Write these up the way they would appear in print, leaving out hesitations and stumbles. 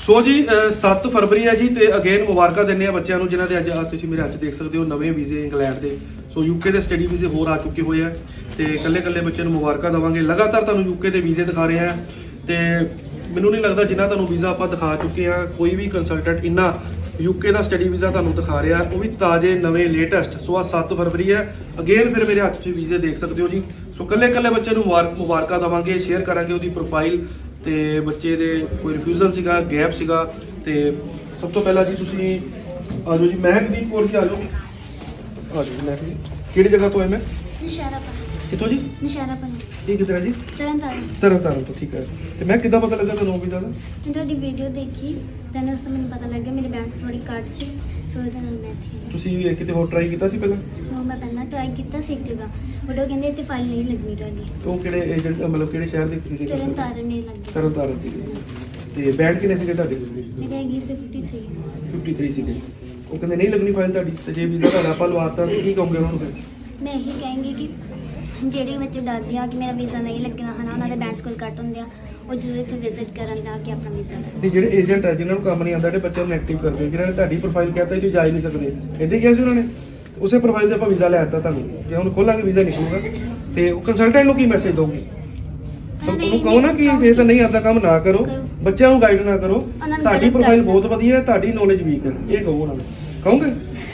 ਸੋ ਜੀ 7 ਫਰਵਰੀ ਹੈ ਜੀ ਤੇ ਅਗੇਨ ਮੁਬਾਰਕਾਂ ਦਿੰਦੇ ਆ ਬੱਚਿਆਂ ਨੂੰ ਜਿਨ੍ਹਾਂ ਦੇ ਅੱਜ ਤੁਸੀਂ ਮੇਰੇ ਅੱਜ ਦੇਖ ਸਕਦੇ ਹੋ ਨਵੇਂ ਵੀਜ਼ੇ ਇੰਗਲੈਂਡ ਦੇ। ਸੋ ਯੂਕੇ ਦੇ ਸਟੱਡੀ ਵੀਜ਼ੇ ਹੋਰ ਆ ਚੁੱਕੇ ਹੋਏ ਆ ਤੇ ਇਕੱਲੇ ਬੱਚਿਆਂ ਨੂੰ ਮੁਬਾਰਕਾਂ ਦੇਵਾਂਗੇ। ਲਗਾਤਾਰ ਤੁਹਾਨੂੰ ਯੂਕੇ ਦੇ ਵੀਜ਼ੇ ਦਿਖਾ ਰਹੇ ਆ ਤੇ ਮੈਨੂੰ ਨਹੀਂ ਲੱਗਦਾ ਜਿੰਨਾ ਤੁਹਾਨੂੰ ਵੀਜ਼ਾ ਆਪਾਂ ਦਿਖਾ ਚੁੱਕੇ ਆ ਕੋਈ ਵੀ ਕੰਸਲਟੈਂਟ ਇੰਨਾ ਯੂਕੇ ਦਾ ਸਟੱਡੀ ਵੀਜ਼ਾ ਤੁਹਾਨੂੰ ਦਿਖਾ ਰਿਹਾ, ਉਹ ਵੀ ਤਾਜ਼ੇ ਨਵੇਂ ਲੇਟੈਸਟ। ਸੋ ਆ 7 ਫਰਵਰੀ ਹੈ ਅਗੇਨ ਫਿਰ ਮੇਰੇ ਹੱਥ 'ਚ ਵੀਜ਼ੇ ਦੇਖ ਸਕਦੇ ਹੋ ਜੀ। ਸੋ ਇਕੱਲੇ ਬੱਚੇ ਨੂੰ ਮੁਬਾਰਕਾਂ ਦੇਵਾਂਗੇ, ਸ਼ੇਅਰ ਕਰਾਂਗੇ ਉਹਦੀ ਪ੍ਰੋਫਾਈਲ ਤੇ ਬੱਚੇ ਦੇ ਕੋਈ ਰਿਫਿਊਜ਼ਲ ਸੀਗਾ, ਗੈਪ ਸੀਗਾ। ਤੇ ਸਭ ਤੋਂ ਪਹਿਲਾਂ ਜੀ ਤੁਸੀਂ ਆ ਜਾਓ ਜੀ ਮਹਿਕਦੀਪ ਕੌਰ ਜੀ, ਆ ਜਾਓ ਮਹਿਕ ਜੀ। ਕਿਹੜੀ ਜਗ੍ਹਾ ਤੋਂ ਹੈ ਮੈਂ? ਨਿਸ਼ਾਰਾਪਨ। ਕਿੱਥੋਂ ਜੀ? ਨਿਸ਼ਾਰਾਪਨ। ਇਹ ਕਿੱਧਰ ਹੈ ਜੀ? ਤਰਨਤਾਰਨ ਤੋਂ। ਠੀਕ ਹੈ। ਤੇ ਮੈਂ ਕਿੱਦਾਂ ਪਤਾ ਲੱਗਾ ਤੁਹਾਨੂੰ ਵੀਜ਼ਾ ਦਾ? ਮੈਂ ਤੁਹਾਡੀ ਵੀਡੀਓ ਦੇਖੀ ਤਾਂ ਉਸ ਤੋਂ ਮੈਨੂੰ ਪਤਾ ਲੱਗਿਆ ਮੇਰੇ ਬੈਂਕ ਥੋੜੀ ਘੱਟ ਸੀ, ਸੋ ਇਹਦੇ ਨਾਲ ਮੈਂ ਇੱਥੇ ਤੁਸੀਂ ਕਿਤੇ ਹੋਰ ਟਰਾਈ ਕੀਤਾ ਸੀ ਪਹਿਲਾਂ? ਉਹ ਮੈਂ ਪਹਿਲਾਂ ਟਰਾਈ ਕੀਤਾ ਸੀ ਇੱਕ ਜਗ੍ਹਾ, ਬਟ ਉਹ ਕਹਿੰਦੇ ਇੱਥੇ ਫਾਈਲ ਨਹੀਂ ਲੱਗਣੀ ਤੁਹਾਡੀ। ਉਹ ਕਿਹੜੇ ਏਜੰਟ ਮਤਲਬ ਕਿਹੜੇ ਸ਼ਹਿਰ ਦੇ ਸੀਗੇ? ਤਰਨਤਾਰਨ ਨਹੀਂ ਲੱਗੀ। ਤਰਨਤਾਰਨ ਸੀਗੇ। ਤੇ ਬੈਂਡ ਕਿੰਨੇ ਸੀਗੇ ਤੁਹਾਡੇ ਕੋਲ? ਮੇਰੇ ਹੈਗੀ 53 ਸੀਗੇ। ਉਹ ਕਹਿੰਦੇ ਨਹੀਂ ਲੱਗਣੀ ਫਾਈਲ ਤੁਹਾਡੀ। ਤੇ ਜੇ ਵੀਜ਼ਾ ਤੁਹਾਡਾ ਆਪਾਂ ਲਵਾਤਾ ਤਾਂ ਕੀ ਕਹੋਗੇ ਉਹਨਾਂ ਨੂੰ ਫਿਰ? ਮੈਂ ਇਹੀ ਕਹਾਂਗੀ ਕਿ ਜਿਹੜੇ ਬੱਚੇ ਡਰਦੇ ਆ ਕਿ ਮੇਰਾ ਵੀਜ਼ਾ ਨਹੀਂ ਲੱਗਣਾ ਹਨਾ, ਉਹਨਾਂ ਦੇ ਬੈਂਕ ਸਕੋਰ ਘੱਟ ਹੁੰਦੇ ਆ, ਉਹ ਜ਼ਰੂਰ ਇੱਥੇ ਵਿਜ਼ਿਟ ਕਰਨ ਲਾ ਕੇ ਆਪਣਾ ਵੀਜ਼ਾ ਲੈ। ਤੇ ਜਿਹੜੇ ਏਜੰਟ ਆ ਜਿਨ੍ਹਾਂ ਨੂੰ ਕੰਮ ਨਹੀਂ ਆਉਂਦਾ, ਜਿਹੜੇ ਬੱਚਿਆਂ ਨੂੰ ਨੈਗੇਟਿਵ ਕਰਦੇ ਹੋ, ਜਿਨ੍ਹਾਂ ਨੇ ਤੁਹਾਡੀ ਪ੍ਰੋਫਾਈਲ ਕਹਿੰਦਾ ਇਹ 'ਚ ਜਾ ਹੀ ਨਹੀਂ ਸਕਦੇ, ਇੱਦਾਂ ਕਿਹਾ ਸੀ ਉਹਨਾਂ ਨੇ? ਉਸੇ ਪ੍ਰੋਫਾਈਲ 'ਤੇ ਆਪਾਂ ਵੀਜ਼ਾ ਲੈ ਦਿੱਤਾ ਤੁਹਾਨੂੰ। ਜੇ ਹੁਣ ਖੋਲਾਂਗੇ ਵੀਜ਼ਾ ਨਿਕਲੂਗਾ ਤੇ ਉਹ ਕੰਸਲਟੈਂਟ ਨੂੰ ਕੀ ਮੈਸੇਜ ਦੋਗੇ? ਉਹਨੂੰ ਕਹੋ ਨਾ ਕਿ ਜੇ ਤਾਂ ਨਹੀਂ ਆਉਂਦਾ ਕੰਮ ਨਾ ਕਰੋ, ਬੱਚਿਆਂ ਨੂੰ ਗਾਈਡ ਨਾ ਕਰੋ, ਸਾਡੀ ਪ੍ਰੋਫਾਈਲ ਬਹੁਤ ਵਧੀਆ ਹੈ, ਤੁਹਾਡੀ ਨੌਲੇਜ ਵੀਕ ਹੈ, ਇਹ ਕਹੋ ਉਹਨਾਂ ਨੂੰ। ਕਹੋਗੇ?